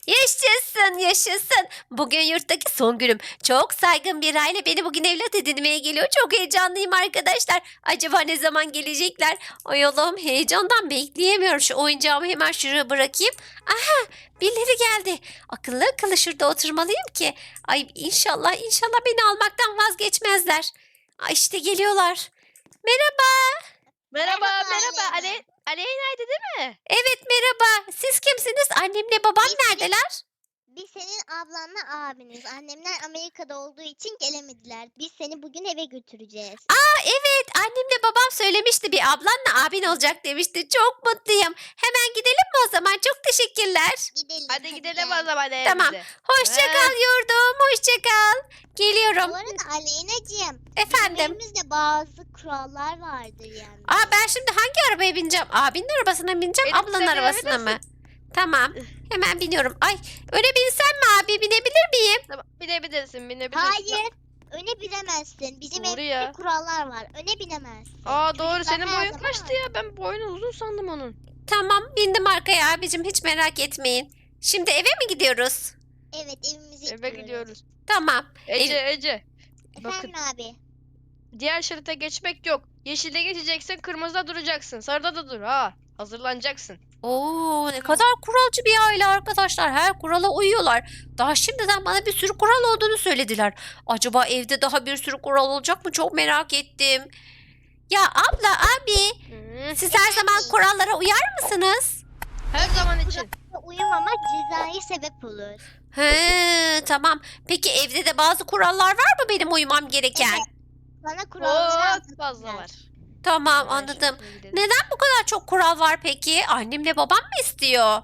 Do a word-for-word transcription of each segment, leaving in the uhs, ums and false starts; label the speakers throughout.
Speaker 1: Yaşasın, yaşasın. Bugün yurttaki son günüm. Çok saygın bir aile beni bugün evlat edinmeye geliyor. Çok heyecanlıyım arkadaşlar. Acaba ne zaman gelecekler? Ay Allah'ım, heyecandan bekleyemiyorum. Şu oyuncağımı hemen şuraya bırakayım. Aha, birileri geldi. Akıllı akıllı şurada oturmalıyım ki. Ay inşallah inşallah beni almaktan vazgeçmezler. Ay işte geliyorlar. Merhaba.
Speaker 2: Merhaba,
Speaker 3: Merhaba
Speaker 2: merhaba.
Speaker 3: Aleyna.
Speaker 2: Ale Aleyna'ydı değil mi?
Speaker 1: Evet merhaba. Siz kimsiniz? Annemle babam
Speaker 3: Biz senin,
Speaker 1: neredeler?
Speaker 3: biz senin ablanla abiniz. Annemler Amerika'da olduğu için gelemediler. Biz seni bugün eve götüreceğiz.
Speaker 1: Aa evet, annemle babam söylemişti, bir ablanla abin olacak demişti. Çok mutluyum. Hemen gidelim mi o zaman? Çok teşekkürler.
Speaker 3: Gidelim.
Speaker 2: Hadi gidelim
Speaker 3: gel.
Speaker 2: o zaman
Speaker 1: Tamam.
Speaker 2: evimize.
Speaker 1: Hoşça
Speaker 2: Ha.
Speaker 1: kal yurdum. Hoşça kal.
Speaker 3: Bu
Speaker 1: Geliyorum.
Speaker 3: arada Aleyna'cığım, bizim
Speaker 1: Efendim.
Speaker 3: evimizde bazı kurallar vardır yani.
Speaker 1: Aa ben şimdi hangi arabaya bineceğim? Abinin arabasına mı bineceğim,
Speaker 2: Benim
Speaker 1: ablanın
Speaker 2: sen
Speaker 1: arabasına mı?
Speaker 2: binebilirsin.
Speaker 1: Tamam. Hemen biniyorum. Ay öne binsem mi abi? Binebilir miyim?
Speaker 2: Tamam, binebilirsin, binebilirsin.
Speaker 3: Hayır. Öne binemezsin. Bizim
Speaker 2: Doğru
Speaker 3: evimizde
Speaker 2: ya.
Speaker 3: kurallar var. Öne binemezsin.
Speaker 2: Aa doğru,
Speaker 3: Çocuklar
Speaker 2: senin
Speaker 3: her
Speaker 2: boyun
Speaker 3: zaman
Speaker 2: kaçtı
Speaker 3: arkada.
Speaker 2: ya? Ben boyunu uzun sandım onun.
Speaker 1: Tamam, bindim arkaya abicim. Hiç merak etmeyin. Şimdi eve mi gidiyoruz?
Speaker 3: Evet, evimize
Speaker 2: Eve
Speaker 3: gidiyoruz.
Speaker 2: gidiyoruz.
Speaker 1: Tamam.
Speaker 2: Ece,
Speaker 1: Ev-
Speaker 2: Ece. Bakın,
Speaker 3: Efendim abi.
Speaker 2: diğer şerite geçmek yok. Yeşilde geçeceksin, kırmızıda duracaksın. Sarıda da dur ha. Hazırlanacaksın.
Speaker 1: Oo, ne kadar kuralcı bir aile arkadaşlar. Her kurala uyuyorlar. Daha şimdiden bana bir sürü kural olduğunu söylediler. Acaba evde daha bir sürü kural olacak mı? Çok merak ettim. Ya abla, abi,
Speaker 2: Hı.
Speaker 1: siz her zaman kurallara uyar mısınız?
Speaker 2: Her zaman için.
Speaker 3: Uyumamak cezai sebep olur.
Speaker 1: He, tamam. Peki evde de bazı kurallar var mı benim uymam gereken?
Speaker 3: Evet. Bana kuralları
Speaker 2: Çok fazla
Speaker 3: anlattılar.
Speaker 2: var.
Speaker 1: Tamam,
Speaker 2: Hemen
Speaker 1: anladım.
Speaker 2: şurasına gidelim.
Speaker 1: Neden bu kadar çok kural var peki? Annemle babam mı istiyor?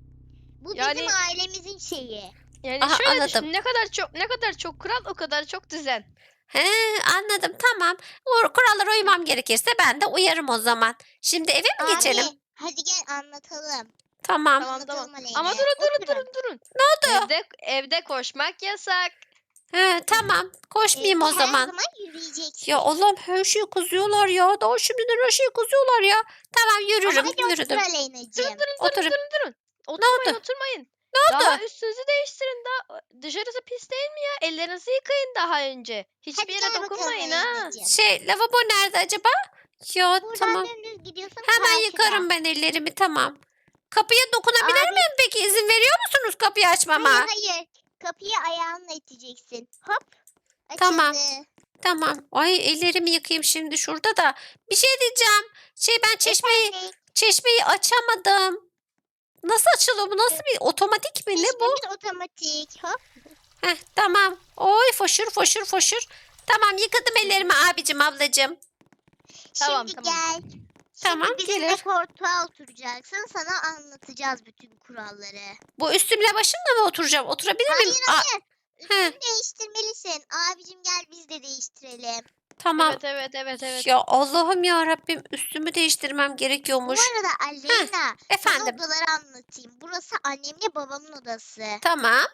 Speaker 3: Bu
Speaker 2: Yani-
Speaker 3: bizim ailemizin şeyi.
Speaker 2: Yani
Speaker 1: Aha,
Speaker 2: şöyle
Speaker 1: anladım.
Speaker 2: düşün, ne kadar çok ne kadar çok kural, o kadar çok düzen.
Speaker 1: He, anladım, tamam. O kurallara uymam gerekirse ben de uyarım o zaman. Şimdi eve mi geçelim?
Speaker 3: Abi hadi gel anlatalım.
Speaker 1: Tamam.
Speaker 2: Tamam
Speaker 3: Anlatalım
Speaker 2: tamam.
Speaker 3: Aleyna.
Speaker 2: Ama durun durun
Speaker 3: Oturun.
Speaker 2: durun durun.
Speaker 1: Ne oldu?
Speaker 2: Evde evde koşmak yasak.
Speaker 1: He, tamam. Koşmayayım
Speaker 3: Evde
Speaker 1: o zaman.
Speaker 3: Her zaman yürüyeceksin.
Speaker 1: Ya Allah'ım, her şeyi kızıyorlar ya. Daha şimdiden her şeyi kızıyorlar ya. Tamam,
Speaker 3: Ama
Speaker 1: yürürüm,
Speaker 3: hadi otur
Speaker 1: yürüdüm.
Speaker 3: Aleyna'cığım.
Speaker 2: Durun durun
Speaker 1: Oturun.
Speaker 2: durun durun durun. Oturmayın
Speaker 1: oldu?
Speaker 2: oturmayın.
Speaker 1: Ne
Speaker 2: Daha
Speaker 1: oldu?
Speaker 2: üstünüzü değiştirin, daha dışarısı pis değil mi ya? Ellerinizi yıkayın daha önce. Hiçbir
Speaker 3: Hadi
Speaker 2: yere
Speaker 3: gel bakalım
Speaker 2: dokunmayın ha.
Speaker 3: Aleyna'cığım.
Speaker 1: Şey, lavabo nerede acaba? Ya
Speaker 3: Buradan
Speaker 1: tamam.
Speaker 3: dümdüz gidiyorsun
Speaker 1: Hemen
Speaker 3: karşıda.
Speaker 1: yıkarım ben ellerimi, tamam. Kapıya dokunabilir
Speaker 3: Abi-
Speaker 1: miyim peki? İzin veriyor musunuz kapıyı açmama?
Speaker 3: Hayır hayır. Kapıyı ayağınla iteceksin. Hop. Açıldı.
Speaker 1: Tamam. Tamam. Ay ellerimi yıkayayım şimdi şurada da. Bir şey diyeceğim. Şey, ben çeşmeyi
Speaker 3: Efendim,
Speaker 1: çeşmeyi açamadım. Nasıl açılıyor bu? Nasıl bir otomatik mi? Ne bu?
Speaker 3: çeşmemiz otomatik. Hop.
Speaker 1: Heh, tamam. Oy foşur foşur foşur. Tamam, yıkadım ellerimi abicim, ablacığım.
Speaker 2: Tamam,
Speaker 3: Şimdi
Speaker 2: tamam.
Speaker 3: gel.
Speaker 1: Tamam,
Speaker 3: Şimdi bizimle
Speaker 1: gelir.
Speaker 3: koltuğa oturacaksın. Sana anlatacağız bütün kuralları.
Speaker 1: Bu üstümle başımla mı oturacağım? Oturabilir miyim?
Speaker 3: Hayır
Speaker 1: Aa,
Speaker 3: hayır.
Speaker 1: he.
Speaker 3: Üstünü değiştirmelisin. Abicim gel biz de değiştirelim.
Speaker 1: tamam.
Speaker 2: Evet evet evet evet.
Speaker 1: Ya Allah'ım ya Rabbim, üstümü değiştirmem
Speaker 3: Bu
Speaker 1: gerekiyormuş.
Speaker 3: arada Aleyna sana
Speaker 1: Efendim.
Speaker 3: odaları anlatayım. Burası annemle babamın odası.
Speaker 1: Tamam.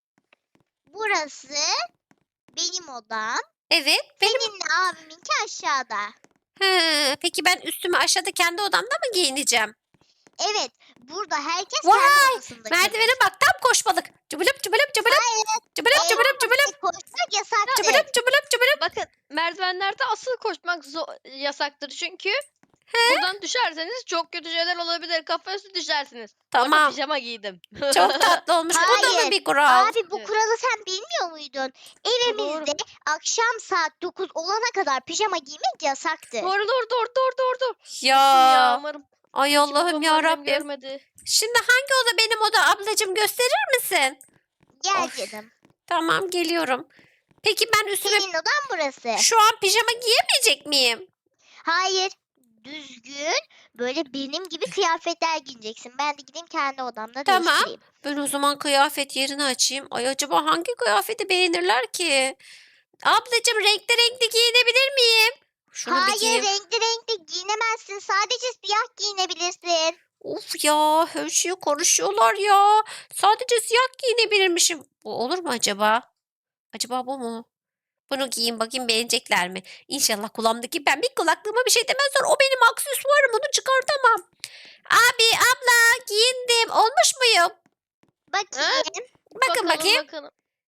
Speaker 3: Burası benim odam.
Speaker 1: Evet. Benim.
Speaker 3: Seninle abiminki aşağıda.
Speaker 1: He, peki ben üstümü aşağıda kendi odamda mı giyineceğim?
Speaker 3: Evet. Burada herkes
Speaker 1: Vay,
Speaker 3: kendi odasında
Speaker 1: Merdivene
Speaker 3: kalır.
Speaker 1: bak, tam koşmalık. Cıbılıp cıbılıp cıbılıp. Cıbılıp
Speaker 3: Eğer
Speaker 1: cıbılıp cıbılıp.
Speaker 3: oraya koşmak yasaktır.
Speaker 1: Cıbılıp cıbılıp cıbılıp.
Speaker 2: Bakın, merdivenlerde asıl koşmak zo- yasaktır çünkü buradan düşerseniz çok kötü şeyler olabilir. Kafa üstü düşersiniz. Bakın,
Speaker 1: Tamam.
Speaker 2: pijama giydim.
Speaker 1: Çok tatlı olmuş. Bu da mı
Speaker 3: Hayır.
Speaker 1: bir kural?
Speaker 3: Abi bu
Speaker 2: Evet.
Speaker 3: kuralı sen bilmiyor muydun? Evimizde akşam saat dokuz olana kadar pijama giymek yasaktır.
Speaker 2: Doğru doğru doğru doğru doğru. doğru.
Speaker 1: Ya.
Speaker 2: Ya umarım
Speaker 1: Ay
Speaker 2: hiç
Speaker 1: Allah'ım
Speaker 2: babam
Speaker 1: ya
Speaker 2: annem
Speaker 1: Rabbim.
Speaker 2: görmedi.
Speaker 1: Şimdi hangi oda benim oda ablacığım, gösterir misin?
Speaker 3: Gel
Speaker 1: Of.
Speaker 3: canım.
Speaker 1: Tamam, geliyorum. Peki ben üstüme
Speaker 3: Senin odan burası.
Speaker 1: şu an pijama giyemeyecek miyim?
Speaker 3: Hayır. Düzgün böyle benim gibi kıyafetler giyeceksin. Ben de gideyim kendi odamda
Speaker 1: Tamam.
Speaker 3: değiştireyim.
Speaker 1: Ben o zaman kıyafet yerini açayım. Ay acaba hangi kıyafeti beğenirler ki? Ablacığım, renkli renkli giyinebilir miyim? Şunu bir
Speaker 3: Hayır
Speaker 1: giyeyim.
Speaker 3: renkli renkli giyinemezsin. Sadece siyah giyinebilirsin.
Speaker 1: Of ya, her şeyi konuşuyorlar ya. Sadece siyah giyinebilirmişim. Bu olur mu acaba? Acaba bu mu? Bunu giyeyim bakayım, beğenecekler mi? İnşallah kulağımdaki pembik kulaklığıma bir şey demezler. O benim aksesuarım, onu çıkartamam. Abi, abla, giyindim. Olmuş muyum?
Speaker 3: Bakayım.
Speaker 1: Bakın bakayım.
Speaker 2: Bakalım.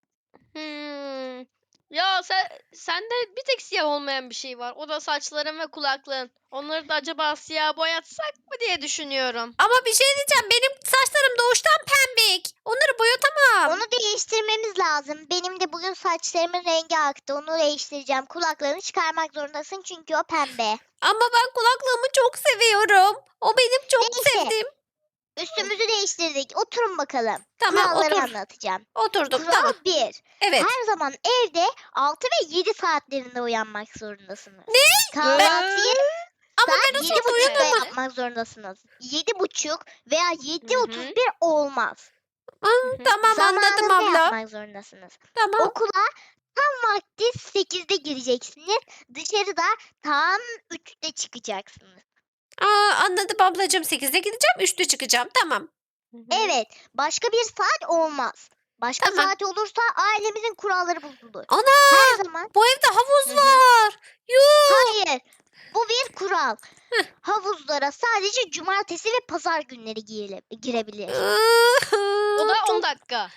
Speaker 2: Hmm. Ya sen sende bir tek siyah olmayan bir şey var. O da saçların ve kulaklığın. Onları da acaba siyah boyatsak mı diye düşünüyorum.
Speaker 1: Ama bir şey diyeceğim. Benim saçlarım doğuştan pembik. Onları boyatamam.
Speaker 3: Onu değiştirmemiz lazım. Benim de bugün saçlarımın rengi aktı. Onu değiştireceğim. Kulaklarını çıkarmak zorundasın çünkü o pembe.
Speaker 1: Ama ben kulaklığımı çok seviyorum. O benim çok
Speaker 3: Neyse.
Speaker 1: sevdiğim.
Speaker 3: Üstümüzü değiştirdik. Oturun bakalım.
Speaker 1: Tamam,
Speaker 3: Kuralları
Speaker 1: otur.
Speaker 3: anlatacağım.
Speaker 1: Oturduk.
Speaker 3: Kural
Speaker 1: Tamam.
Speaker 3: bir.
Speaker 1: Evet.
Speaker 3: Her zaman evde altı ve yedi saatlerinde uyanmak zorundasınız. Ne? Kahvaltıyı
Speaker 1: Ama
Speaker 3: saat
Speaker 1: ben o
Speaker 3: yedi
Speaker 1: sırada
Speaker 3: buçukta
Speaker 1: uyanamam.
Speaker 3: yapmak zorundasınız. Yedi buçuk veya yedi
Speaker 2: Hı hı.
Speaker 3: otuz bir olmaz.
Speaker 1: Aa, tamam anladım
Speaker 3: Zamanında
Speaker 1: abla.
Speaker 3: yapmak zorundasınız.
Speaker 1: Tamam.
Speaker 3: Okula tam vakti sekizde gireceksiniz. Dışarıda tam üçte çıkacaksınız.
Speaker 1: Aa, anladım ablacığım. sekizde gideceğim. üçte çıkacağım. Tamam.
Speaker 3: Evet. Başka bir saat olmaz. Başka
Speaker 1: Tamam.
Speaker 3: saat olursa ailemizin kuralları bozulur.
Speaker 1: Ana!
Speaker 3: Her zaman.
Speaker 1: Bu evde havuz
Speaker 2: Hı hı.
Speaker 1: var. Yuh!
Speaker 3: Hayır. Bu bir kural.
Speaker 1: Heh.
Speaker 3: Havuzlara sadece cumartesi ve pazar günleri gire- girebilir.
Speaker 2: O da
Speaker 1: Çok-
Speaker 2: on dakika.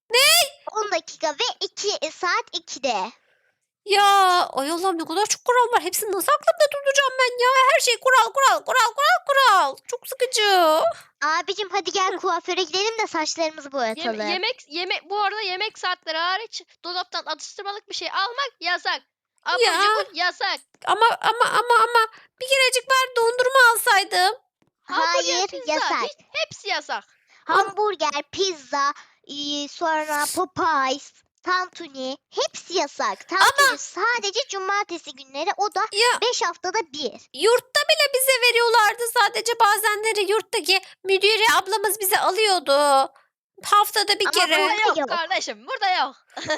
Speaker 3: on dakika ve iki saat ikide.
Speaker 1: Ya ay Allah'ım ne kadar çok kural var. Hepsini nasıl aklımda tutacağım ben ya? Her şey kural kural kural kural kural. Çok sıkıcı.
Speaker 3: Abicim hadi gel kuaföre gidelim de saçlarımızı
Speaker 2: Yem-
Speaker 3: boyatalım.
Speaker 2: yemek yemek bu arada yemek saatleri hariç dolaptan atıştırmalık bir şey almak yasak. Abur
Speaker 1: Ya.
Speaker 2: cubur yasak.
Speaker 1: Ama ama ama ama bir kerecik bari dondurma alsaydım.
Speaker 2: Hamburger,
Speaker 3: Hayır
Speaker 2: pizza,
Speaker 3: yasak.
Speaker 2: hiç- hepsi yasak.
Speaker 3: Hamburger, pizza, e, sonra Popeyes, tantuni hepsi yasak. Tantuni sadece cumartesi günleri, o da
Speaker 1: Ya
Speaker 3: beş haftada bir.
Speaker 1: yurtta bile bize veriyorlardı sadece bazenleri yurttaki müdüre ablamız bize alıyordu. Haftada bir
Speaker 3: Ama
Speaker 1: kere.
Speaker 3: bu-
Speaker 2: Burada yok,
Speaker 3: yok.
Speaker 2: kardeşim, burada yok.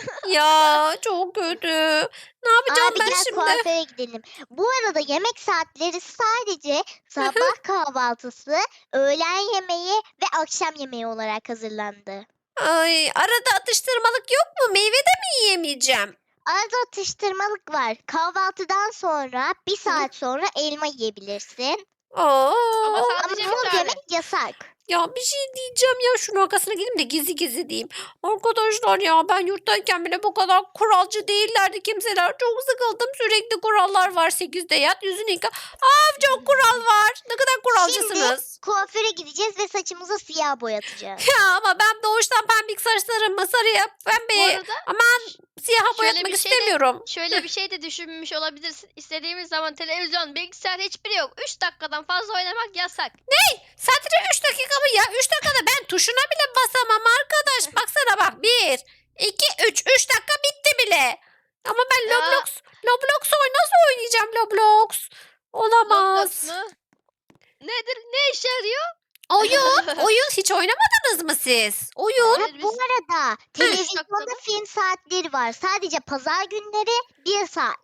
Speaker 1: Ya çok kötü. Ne yapacağım
Speaker 3: Abi
Speaker 1: ben
Speaker 3: gel
Speaker 1: şimdi?
Speaker 3: kuaföre gidelim. Bu arada yemek saatleri sadece sabah kahvaltısı, öğlen yemeği ve akşam yemeği olarak hazırlandı.
Speaker 1: Ay arada atıştırmalık yok mu? Meyve de mi yiyemeyeceğim?
Speaker 3: Arada atıştırmalık var. Kahvaltıdan sonra bir saat sonra elma yiyebilirsin.
Speaker 1: Oo.
Speaker 2: Ama
Speaker 3: Ama
Speaker 2: sadece bir
Speaker 3: muz
Speaker 2: tane.
Speaker 3: yemek yasak.
Speaker 1: Ya bir şey diyeceğim ya şunun arkasına gideyim de gizli gizli diyeyim. Arkadaşlar ya ben yurttayken bile bu kadar kuralcı değillerdi kimseler. Çok sıkıldım sürekli kurallar var. sekizde yat yüzünü yıka. Aa çok kural var. Ne kadar kuralcısınız.
Speaker 3: Kuaföre gideceğiz ve saçımızı siyah boyatacağız.
Speaker 1: Ya ama ben doğuştan pembik saçlarımı sarıya
Speaker 2: Bu
Speaker 1: pembeye
Speaker 2: arada
Speaker 1: aman siyaha
Speaker 2: şöyle
Speaker 1: boyatmak
Speaker 2: bir şey de-
Speaker 1: istemiyorum.
Speaker 2: şöyle bir şey de düşünmüş olabilirsin. İstediğimiz zaman televizyon, bilgisayar hiçbiri yok. üç dakikadan fazla oynamak yasak.
Speaker 1: Sadece üç dakika mı ya? üç dakikada ben tuşuna bile basamam arkadaş. Baksana bak. bir, iki, üç. üç dakika bitti bile. Ama ben
Speaker 2: Ya.
Speaker 1: Roblox, Roblox oy nasıl oynayacağım Roblox? Olamaz.
Speaker 2: Roblox mu? Nedir? Ne işe yarıyor?
Speaker 1: Oyun, oyun hiç oynamadınız mı siz? Oyun.
Speaker 2: Evet,
Speaker 3: Ha,
Speaker 2: biz-
Speaker 3: bu arada televizyonda
Speaker 2: dakikada.
Speaker 3: film saatleri var. Sadece pazar günleri bir saat.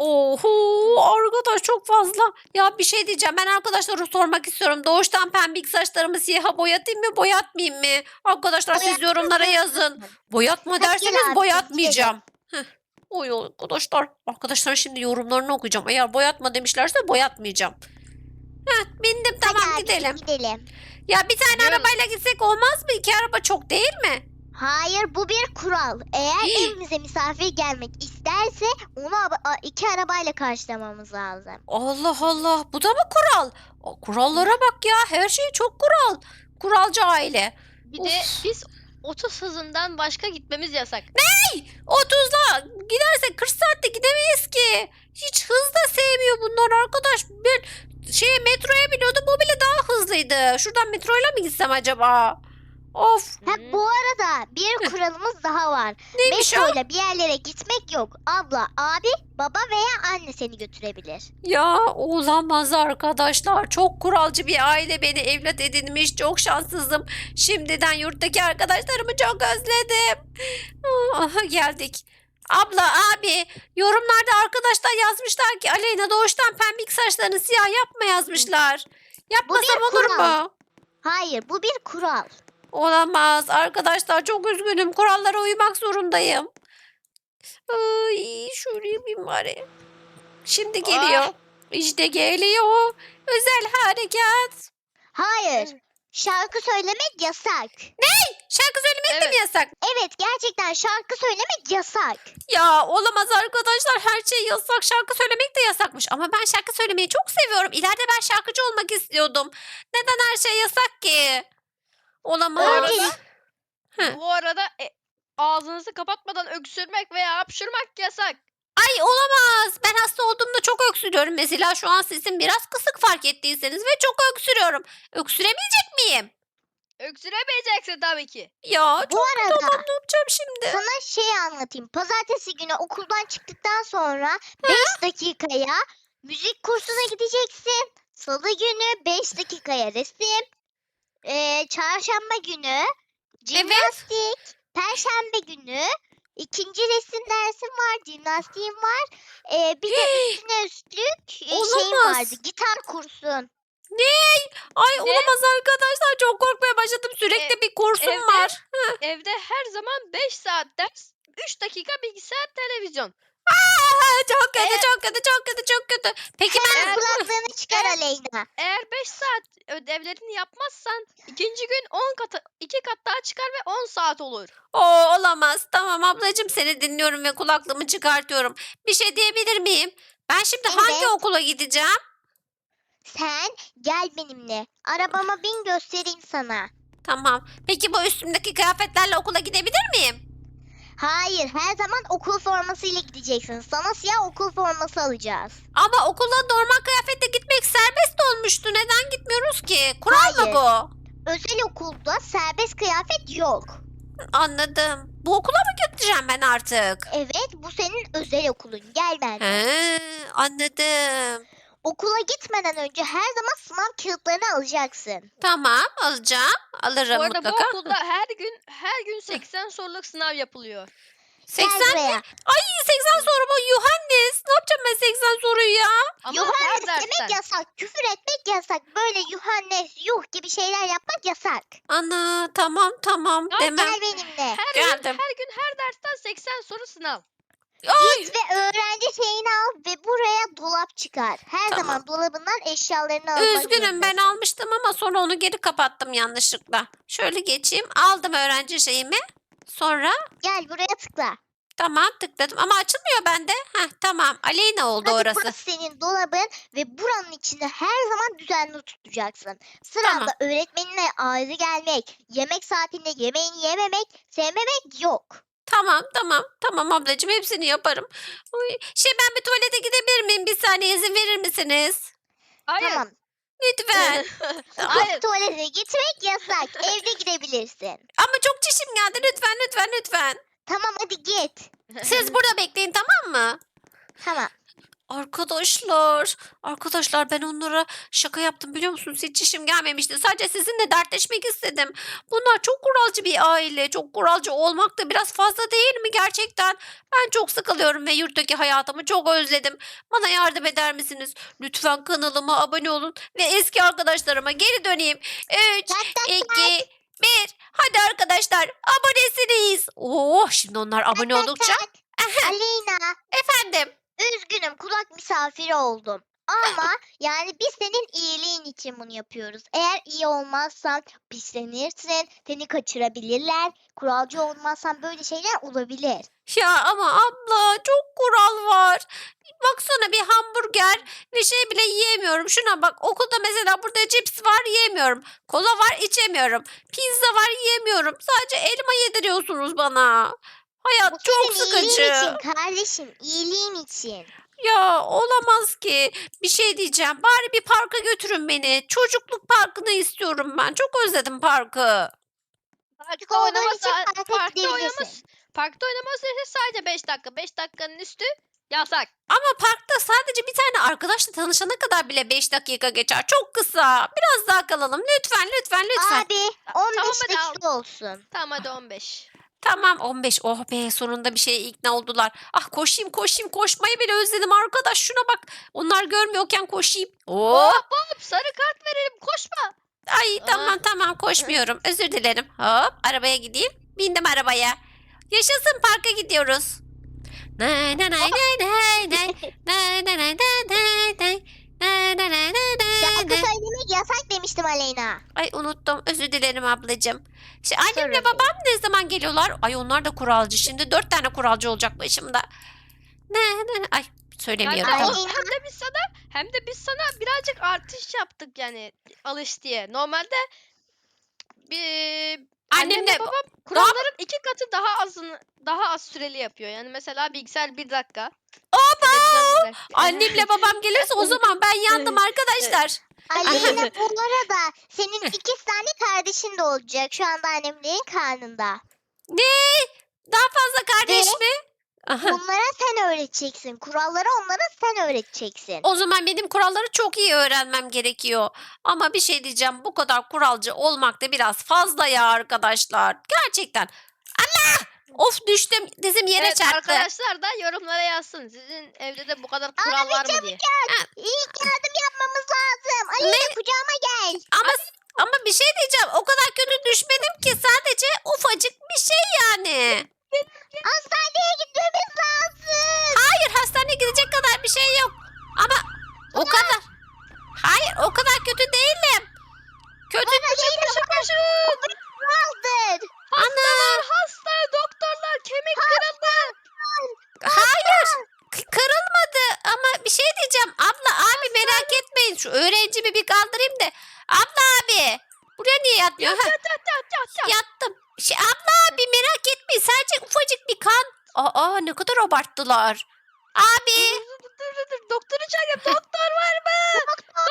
Speaker 1: Oho arkadaş çok fazla. Ya bir şey diyeceğim ben arkadaşlara sormak istiyorum. Doğuştan pembik saçlarımı siyaha boyatayım mı boyatmayayım mı? Arkadaşlar siz
Speaker 3: Boyatmak
Speaker 1: yorumlara
Speaker 3: zorundasın.
Speaker 1: yazın. Boyatma
Speaker 3: Hadi gel
Speaker 1: derseniz
Speaker 3: abi,
Speaker 1: boyatmayacağım. Heh. Oy arkadaşlar. Arkadaşlar şimdi yorumlarını okuyacağım. Eğer boyatma demişlerse boyatmayacağım. Heh, bindim tamam
Speaker 3: Hadi abi,
Speaker 1: gidelim.
Speaker 3: gidelim.
Speaker 1: Ya bir tane
Speaker 2: Gidiyoruz.
Speaker 1: arabayla gitsek olmaz mı? İki araba çok değil mi?
Speaker 3: Hayır bu bir kural. Eğer
Speaker 1: Hii.
Speaker 3: evimize misafir gelmek isterse onu aba- a- iki arabayla karşılamamız lazım.
Speaker 1: Allah Allah bu da mı kural? O, kurallara bak ya her şey çok kural. Kuralcı aile.
Speaker 2: Bir de
Speaker 1: Of.
Speaker 2: biz otuz hızından başka gitmemiz yasak.
Speaker 1: otuzla gidersek kırk saatte gidemeyiz ki. Hiç hız da sevmiyor bunlar arkadaş. Ben şeye metroya biniyordum bu bile daha hızlıydı. Şuradan metroyla mı gitsem acaba? Of
Speaker 3: Ha,
Speaker 2: Hı.
Speaker 3: bu arada bir kuralımız daha var.
Speaker 1: neymiş o?
Speaker 3: Metroyla bir yerlere gitmek yok. Abla, abi, baba veya anne seni götürebilir.
Speaker 1: Ya olamaz arkadaşlar. Çok kuralcı bir aile beni evlat edinmiş. Çok şanssızım. Şimdiden yurttaki arkadaşlarımı çok özledim. Aha, geldik. Abla abi yorumlarda arkadaşlar yazmışlar ki Aleyna doğuştan pembik saçlarını siyah yapma yazmışlar. Yapmasam
Speaker 3: bir
Speaker 1: olur
Speaker 3: kural.
Speaker 1: mu?
Speaker 3: Hayır bu bir kural.
Speaker 1: Olamaz arkadaşlar çok üzgünüm. Kurallara uymak zorundayım. Ay şöyle yapayım bari. Şimdi geliyor.
Speaker 2: Ah.
Speaker 1: İşte geliyor. Özel harekat.
Speaker 3: Hayır. Şarkı söylemek yasak.
Speaker 1: Şarkı söylemek söylemek de mi
Speaker 2: Evet.
Speaker 1: yasak?
Speaker 3: Evet, gerçekten şarkı söylemek yasak.
Speaker 1: Ya olamaz arkadaşlar, her şey yasak, şarkı söylemek de yasakmış. Ama ben şarkı söylemeyi çok seviyorum. İleride ben şarkıcı olmak istiyordum. Neden her şey yasak ki? Olamaz.
Speaker 3: Öyle.
Speaker 1: Hı.
Speaker 2: Bu arada e, ağzınızı kapatmadan öksürmek veya hapşırmak yasak.
Speaker 1: Ay olamaz. Ben hasta olduğumda çok öksürüyorum. Mesela şu an sesim biraz kısık fark ettiyseniz ve çok öksürüyorum. Öksüremeyecek miyim?
Speaker 2: Öksüremeyeceksin tabii ki.
Speaker 1: Ya
Speaker 3: Bu
Speaker 1: çok
Speaker 3: arada
Speaker 1: tamam, ne yapacağım şimdi?
Speaker 3: sana şey anlatayım. Pazartesi günü okuldan çıktıktan sonra beş dakikaya müzik kursuna gideceksin. Salı günü beş dakikaya resim. Ee, çarşamba günü jimnastik. Perşembe günü ikinci resim dersim var. Jimnastiğim var. Ee, bir de üstüne üstlük e, şeyim
Speaker 1: Olamaz.
Speaker 3: vardı. Gitar kursun.
Speaker 1: Ay
Speaker 2: Ne?
Speaker 1: olamaz arkadaşlar, çok korkmaya başladım. Sürekli
Speaker 2: E,
Speaker 1: bir kursum
Speaker 2: evde-
Speaker 1: var.
Speaker 2: Evde her zaman beş saat ders, üç dakika bilgisayar, televizyon.
Speaker 1: Aa, çok kötü,
Speaker 2: Eğer-
Speaker 1: çok kötü, çok kötü, çok kötü. Peki ben...
Speaker 3: Hemen kulaklığını çıkar
Speaker 2: Evet.
Speaker 3: Aleyna.
Speaker 2: Eğer beş saat ödevlerini yapmazsan ikinci gün on katı iki kat daha çıkar ve on saat olur.
Speaker 1: Oo, olamaz. Tamam ablacığım, seni dinliyorum ve kulaklığımı çıkartıyorum. Bir şey diyebilir miyim? Ben şimdi hangi
Speaker 3: Evet.
Speaker 1: okula gideceğim?
Speaker 3: Sen gel benimle. Arabama bin göstereyim sana.
Speaker 1: Tamam. Peki bu üstümdeki kıyafetlerle okula gidebilir miyim?
Speaker 3: Hayır, her zaman okul formasıyla gideceksin. Sana siyah okul forması alacağız.
Speaker 1: Ama okula normal kıyafetle gitmek serbest olmuştu. Neden gitmiyoruz ki? Kural
Speaker 3: Hayır.
Speaker 1: mı bu?
Speaker 3: Özel okulda serbest kıyafet yok.
Speaker 1: Anladım. Bu okula mı gideceğim ben artık?
Speaker 3: Evet, bu senin özel okulun. Gel ben.
Speaker 1: He, anladım.
Speaker 3: Okula gitmeden önce her zaman sınav kağıtlarını alacaksın.
Speaker 1: Tamam, alacağım. Alırım
Speaker 2: Bu arada
Speaker 1: mutlaka.
Speaker 2: bu okulda her gün her gün seksen soruluk sınav yapılıyor.
Speaker 3: Gel
Speaker 1: seksen
Speaker 3: buraya.
Speaker 1: Ay seksen soru mu? Yuhannes. Ne yapacağım ben seksen soruyu ya?
Speaker 2: Ama
Speaker 3: Yuhannes
Speaker 2: her
Speaker 3: demek
Speaker 2: dersten.
Speaker 3: yasak. Küfür etmek yasak. Böyle Yuhannes, yuh gibi şeyler yapmak yasak.
Speaker 1: Ana tamam tamam
Speaker 2: Ya
Speaker 1: demem.
Speaker 3: Gel benimle.
Speaker 2: Her gün,
Speaker 1: Geldim.
Speaker 2: her gün her dersten seksen soru sınav.
Speaker 1: Ay,
Speaker 3: Git ve öğrenci şeyini al ve buraya dolap çıkar. Her
Speaker 1: Tamam.
Speaker 3: zaman dolabından eşyalarını almak
Speaker 1: üzgünüm, ben
Speaker 3: zorundasın.
Speaker 1: almıştım ama sonra onu geri kapattım yanlışlıkla. Şöyle geçeyim. Aldım öğrenci şeyimi. Sonra
Speaker 3: Gel buraya tıkla.
Speaker 1: tamam tıkladım ama açılmıyor bende. Heh, tamam. Aleyna oldu
Speaker 3: Hadi
Speaker 1: orası.
Speaker 3: burası senin dolabın ve buranın içinde her zaman düzenli tutacaksın. Sıranda
Speaker 1: Tamam.
Speaker 3: öğretmeninle ayrı gelmek, yemek saatinde yemeğini yememek, sevmemek yok.
Speaker 1: Tamam tamam tamam ablacığım, hepsini yaparım. Uy, şey ben bir tuvalete gidebilir miyim? Bir saniye izin verir misiniz?
Speaker 2: Hayır.
Speaker 3: Tamam.
Speaker 1: Lütfen.
Speaker 2: Hayır.
Speaker 3: Tuvalete gitmek yasak. Evde gidebilirsin.
Speaker 1: Ama çok çişim geldi, lütfen lütfen lütfen.
Speaker 3: Tamam hadi git.
Speaker 1: Siz burada bekleyin, tamam mı?
Speaker 3: Tamam.
Speaker 1: Arkadaşlar, arkadaşlar ben onlara şaka yaptım biliyor musunuz? Hiç işim gelmemişti. Sadece sizinle dertleşmek istedim. Bunlar çok kuralcı bir aile. Çok kuralcı olmak da biraz fazla değil mi gerçekten? Ben çok sıkılıyorum ve yurttaki hayatımı çok özledim. Bana yardım eder misiniz? Lütfen kanalıma abone olun ve eski arkadaşlarıma geri döneyim. üç,
Speaker 3: Tak tak tak.
Speaker 1: iki, bir. Hadi arkadaşlar, abonesiniz. Oh, şimdi onlar abone
Speaker 3: tak,
Speaker 1: oldukça.
Speaker 3: tak. Aleyna,
Speaker 1: Efendim.
Speaker 3: üzgünüm kulak misafiri oldum. Ama yani biz senin iyiliğin için bunu yapıyoruz. Eğer iyi olmazsan pislenirsin, seni kaçırabilirler. Kuralcı olmazsan böyle şeyler olabilir.
Speaker 1: Ya ama abla çok kural var. Baksana, bir hamburger bir şey bile yiyemiyorum. Şuna bak, okulda mesela burada cips var, yiyemiyorum. Kola var, içemiyorum. Pizza var, yiyemiyorum. Sadece elma yediriyorsunuz bana. Hayat
Speaker 3: Bu
Speaker 1: çok
Speaker 3: senin iyiliğin
Speaker 1: sıkıcı.
Speaker 3: için kardeşim, iyiliğin için.
Speaker 1: Ya olamaz ki. Bir şey diyeceğim. Bari bir parka götürün beni. Çocukluk parkını istiyorum ben. Çok özledim parkı.
Speaker 3: Çocuk
Speaker 2: Parkta
Speaker 3: olduğun
Speaker 2: oynama
Speaker 3: için
Speaker 2: sa-
Speaker 3: parka
Speaker 2: parkta oynama
Speaker 3: gidebilirsin.
Speaker 2: parkta oynama süresi sadece beş dakika. beş dakikanın üstü yasak.
Speaker 1: Ama parkta sadece bir tane arkadaşla tanışana kadar bile beş dakika geçer. Çok kısa. Biraz daha kalalım. Lütfen, lütfen, lütfen.
Speaker 3: Abi
Speaker 2: Ta-
Speaker 3: on beş
Speaker 2: tamam hadi al.
Speaker 3: dakika olsun.
Speaker 2: Tamam hadi on beş.
Speaker 1: Tamam on beş. Oh be, sonunda bir şeye ikna oldular. Ah, koşayım koşayım, koşmayı bile özledim arkadaş. Şuna bak. Onlar görmüyorken koşayım. Oo.
Speaker 2: Hop hop sarı kart verelim koşma.
Speaker 1: Ay tamam tamam, koşmuyorum. Özür dilerim. Hop, arabaya gideyim. Bindim arabaya. Yaşasın, parka gidiyoruz. Nay nay nay nay nay nay nay nay nay nay nay nay Ne, ne, ne, ne, ne,
Speaker 3: Şarkı
Speaker 1: ne.
Speaker 3: söylemek yasak demiştim Aleyna.
Speaker 1: Ay unuttum. Özür dilerim ablacığım. Şey, annemle
Speaker 3: Sorun
Speaker 1: babam ne zaman geliyorlar? Ay onlar da kuralcı. Şimdi dört tane kuralcı olacak başımda. Ne ne ne. Ay söylemiyorum.
Speaker 2: Hem de,
Speaker 1: Tamam.
Speaker 2: o- hem de biz sana hem de biz sana birazcık artış yaptık yani alış diye. Normalde bir
Speaker 1: Annemle
Speaker 2: annemle babam kuralların iki katı daha azını daha az süreli yapıyor. Yani mesela bilgisayar bir dakika. televizyon bir dakika.
Speaker 1: annemle babam gelirse o zaman ben yandım arkadaşlar.
Speaker 3: Aleyna bu arada senin iki tane kardeşin de olacak. Şu anda annemlerin karnında.
Speaker 1: Ne? Daha fazla kardeş
Speaker 3: Ve-
Speaker 1: mi? Aha.
Speaker 3: Bunlara sen öğreteceksin. Kuralları onlara sen öğreteceksin.
Speaker 1: O zaman benim kuralları çok iyi öğrenmem gerekiyor. Ama bir şey diyeceğim. Bu kadar kuralcı olmak da biraz fazla ya arkadaşlar. Gerçekten. Allah! Of düştüm. Dizim yere
Speaker 2: Evet,
Speaker 1: çarptı.
Speaker 2: arkadaşlar da yorumlara yazsın. Sizin evde de bu kadar kural var mı diye.
Speaker 3: İlk yardım yapmamız lazım. Aleyna kucağıma gel.
Speaker 1: Ama ama bir şey diyeceğim. O kadar kötü düşmedim ki sadece ufacık bir şey yani.
Speaker 3: Hastaneye gitmemiz lazım.
Speaker 1: Hayır hastaneye gidecek kadar bir şey yok. Ama o kadar. Hayır o kadar kötü değilim. Kötü.
Speaker 2: Koşun koşun.
Speaker 3: Kuraldır.
Speaker 2: Hastalar hasta. Doktorlar kemik kırıldı.
Speaker 1: Hayır. k- Kırılmadı ama bir şey diyeceğim. Abla abi merak etmeyin. Şu öğrencimi bir kaldırayım da. Abla abi. Buraya niye yatmıyor?
Speaker 2: Yat
Speaker 1: Ha,
Speaker 2: yat yat yat yat. yat.
Speaker 1: yattım. Şey, abla abi merak etmeyin. Sadece ufacık bir kan. Aa ne kadar abarttılar. Abi.
Speaker 2: Dur dur dur dur. Doktoru çağırın. Doktor var mı?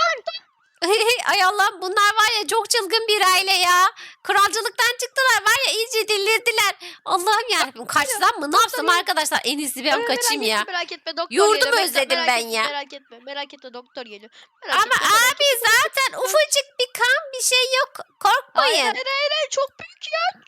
Speaker 1: Ay Allah'ım bunlar var ya çok çılgın bir aile ya. Kralcılıktan çıktılar var ya iyice delirdiler. Allah'ım yarabbim kaçsam mı ne yapsam arkadaşlar en iyisi ben
Speaker 2: Merak
Speaker 1: kaçayım
Speaker 2: etme,
Speaker 1: ya.
Speaker 2: Merak etme doktor
Speaker 1: Yurdumu
Speaker 2: geliyor. Bekle,
Speaker 1: özledim
Speaker 2: merak
Speaker 1: ben
Speaker 2: etme,
Speaker 1: ya.
Speaker 2: Merak etme merak etme doktor geliyor. Merak
Speaker 1: Ama
Speaker 2: etme, merak
Speaker 1: abi zaten ufacık bir kan bir şey yok.
Speaker 2: Hayır,
Speaker 1: Korkmayın.
Speaker 2: hayır, hayır, hayır, çok büyük ya.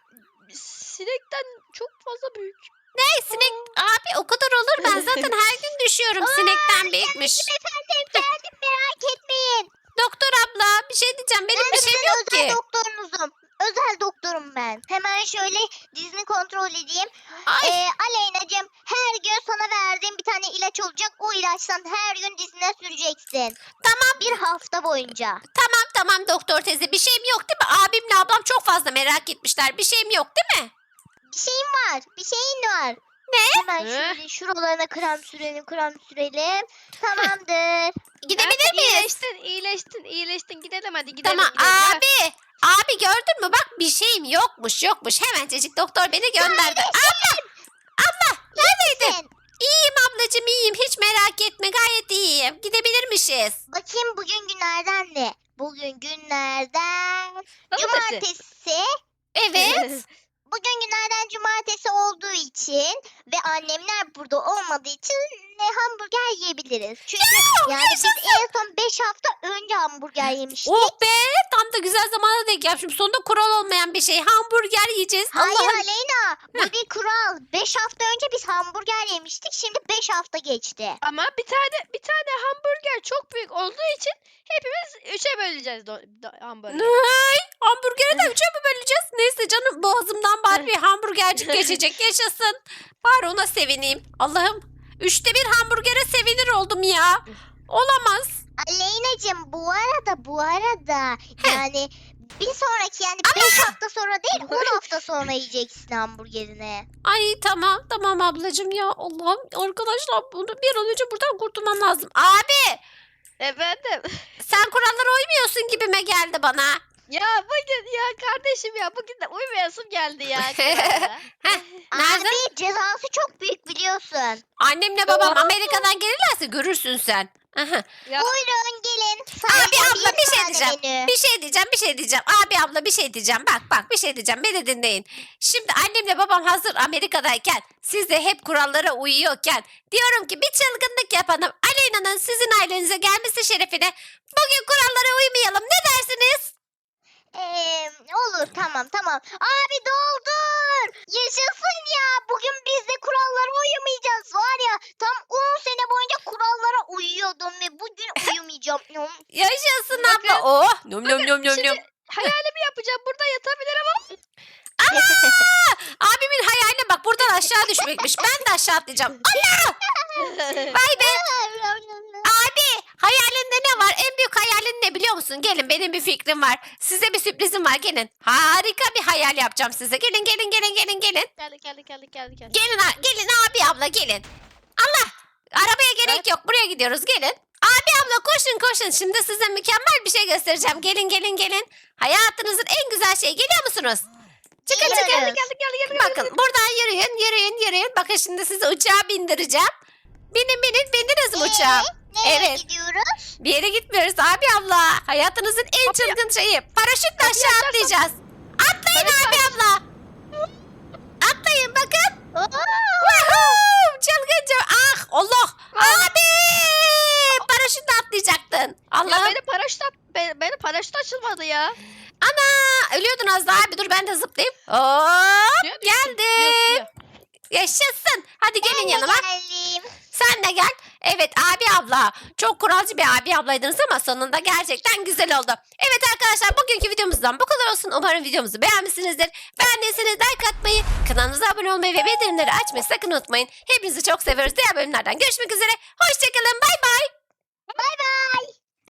Speaker 2: Sinekten çok fazla büyük.
Speaker 1: Ne sinek abi o kadar olur ben zaten her gün düşüyorum sinekten büyükmüş.
Speaker 3: Efendim efendim merak etmeyin.
Speaker 1: Doktor abla bir şey diyeceğim benim
Speaker 3: Ben
Speaker 1: bir şeyim
Speaker 3: sizin
Speaker 1: yok
Speaker 3: özel
Speaker 1: ki.
Speaker 3: doktorunuzum. Özel doktorum ben. Hemen şöyle dizini kontrol edeyim.
Speaker 1: Ay
Speaker 3: Ee, Aleyna'cığım her gün sana verdiğim bir tane ilaç olacak. O ilaçtan her gün dizine süreceksin.
Speaker 1: tamam
Speaker 3: Bir hafta boyunca.
Speaker 1: tamam tamam doktor teyze bir şeyim yok değil mi? Abimle ablam çok fazla merak etmişler bir şeyim yok değil mi?
Speaker 3: Bir şeyin var. Bir şeyin var.
Speaker 1: Ne?
Speaker 3: Hemen
Speaker 2: Eh.
Speaker 3: şöyle şuralarına krem sürelim krem sürelim. Tamamdır.
Speaker 1: Gidebilir
Speaker 2: Hadi
Speaker 1: miyiz?
Speaker 2: İyileştin iyileştin iyileştin gidelim hadi gidelim.
Speaker 1: Tamam
Speaker 2: gidelim. Gel.
Speaker 1: abi. Abi gördün mü bak bir şeyim yokmuş yokmuş. Hemencecik doktor beni gönderdi. Abla. Abla neredeydin?
Speaker 3: Sen,
Speaker 1: İyiyim ablacığım iyiyim hiç merak etme gayet iyiyim. Gidebilirmişiz.
Speaker 3: bakayım bugün günlerden ne? Bugün günlerden
Speaker 2: Pazartesi.
Speaker 3: cumartesi.
Speaker 1: Evet.
Speaker 3: Bugün günlerden cumartesi olduğu için ve annemler burada olmadığı için ne hamburger yiyebiliriz. Çünkü yani biz en son beş hafta önce hamburger yemiştik.
Speaker 1: Oh be tam da güzel zamana denk gelmişim. Sonunda kural olmayan bir şey. Hamburger yiyeceğiz.
Speaker 3: Hayır
Speaker 1: Allah'ım.
Speaker 3: Aleyna bu bir kural. beş hafta önce biz hamburger yemiştik. Şimdi beş hafta geçti.
Speaker 2: Ama bir tane bir tane hamburger çok büyük olduğu için hepimiz üçe böleceğiz do- do- hamburgeri.
Speaker 1: Ay, hamburgeri de üçe mi böleceğiz? Neyse canım boğazımdan bari bir hamburgercik geçecek. Yaşasın. Bari ona sevineyim. Allah'ım. Üçte bir hamburgere sevinir oldum ya. Olamaz.
Speaker 3: Aleyna'cığım bu arada bu arada
Speaker 1: Heh.
Speaker 3: yani bir sonraki yani beş hafta sonra değil on hafta sonra yiyeceksin hamburgerini.
Speaker 1: Ay tamam tamam ablacığım ya. Allah'ım arkadaşlar bunu bir an önce buradan kurtulmam lazım. Abi
Speaker 2: Efendim.
Speaker 1: sen kurallara uymuyorsun gibime geldi bana.
Speaker 2: Ya bugün ya kardeşim ya bugün de uymayasım geldi ya. kurallara.
Speaker 1: Nerede?
Speaker 3: Abi cezası çok büyük biliyorsun.
Speaker 1: Annemle babam
Speaker 2: Oo.
Speaker 1: Amerika'dan gelirlerse görürsün sen. Aha.
Speaker 2: Ya,
Speaker 3: Buyurun gelin.
Speaker 1: Abi
Speaker 3: Sadece
Speaker 1: abla bir şey
Speaker 3: tane
Speaker 1: diyeceğim.
Speaker 3: menü.
Speaker 1: Bir şey diyeceğim, bir şey diyeceğim. Abi abla bir şey diyeceğim. Bak bak bir şey diyeceğim. Beni dinleyin. Şimdi annemle babam hazır Amerika'dayken, siz de hep kurallara uyuyorken diyorum ki bir çılgınlık yapalım. Aleyna'nın sizin ailenize gelmesi şerefine bugün kurallara uymayalım. Ne dersiniz?
Speaker 3: Ee, olur tamam tamam. Abi doldur. Yaşasın ya. Bugün biz de kurallara uyumayacağız. Var ya tam on sene boyunca kurallara uyuyordum ve bugün uyumayacağım. Nom.
Speaker 1: Yaşasın
Speaker 2: Bakın,
Speaker 1: abla. Oh. Num num num num
Speaker 2: şimdi
Speaker 1: num.
Speaker 2: hayalimi yapacağım burada yatabilirim ama
Speaker 1: Abimin hayaline bak buradan aşağı düşmekmiş. Ben de aşağı atlayacağım. Allah! Vay be. Abi hayalinde ne hayalin ne biliyor musun? Gelin benim bir fikrim var. Size bir sürprizim var gelin. Harika bir hayal yapacağım size. Gelin gelin gelin gelin gelin.
Speaker 2: Geldik geldik geldik geldik. geldik.
Speaker 1: Gelin a- gelin abi abla gelin. Allah arabaya gerek
Speaker 2: Evet.
Speaker 1: yok buraya gidiyoruz gelin. Abi abla koşun koşun şimdi size mükemmel bir şey göstereceğim. Gelin gelin gelin. Hayatınızın en güzel şeyi geliyor musunuz? Çıkın çıkın.
Speaker 3: Geliyoruz.
Speaker 2: Geldik geldik geldik. geldik.
Speaker 1: Bakın buradan yürüyün yürüyün yürüyün. Bakın şimdi sizi uçağa bindireceğim. Binin binin bindiniz mi uçağa?
Speaker 3: Nereye
Speaker 1: Evet.
Speaker 3: gidiyoruz?
Speaker 1: Bir yere gitmiyoruz abi abla. Hayatınızın en çılgın şeyi. Paraşütle
Speaker 2: Kapıyı
Speaker 1: aşağı
Speaker 2: açarsan-
Speaker 1: atlayacağız. Atlayın
Speaker 2: Paraşüt
Speaker 1: abi
Speaker 2: aç.
Speaker 1: abla. Atlayın bakın.
Speaker 3: Oo!
Speaker 1: Woohoo! Çılgınca. Ah Allah. Abi. Paraşütle atlayacaktın.
Speaker 2: Ya
Speaker 1: Allah'ım.
Speaker 2: benim paraşüt be- benim paraşüt açılmadı ya.
Speaker 1: Ana. Ölüyordun az daha abi. Dur ben de zıplayayım. Hop.
Speaker 2: Suya düştüm. Suya,
Speaker 1: Geldim.
Speaker 2: suya.
Speaker 1: Yaşasın. Hadi gelin
Speaker 3: Ben de
Speaker 1: yanıma.
Speaker 3: geldim.
Speaker 1: Sen de gel. Evet abi abla. Çok kuralcı bir abi ablaydınız ama sonunda gerçekten güzel oldu. Evet arkadaşlar bugünkü videomuzdan bu kadar olsun. Umarım videomuzu beğenmişsinizdir. Beğendiyseniz like atmayı, kanalımıza abone olmayı ve bildirimleri açmayı sakın unutmayın. Hepinizi çok seviyoruz. Diğer bölümlerden görüşmek üzere. Hoşçakalın. Bay bay.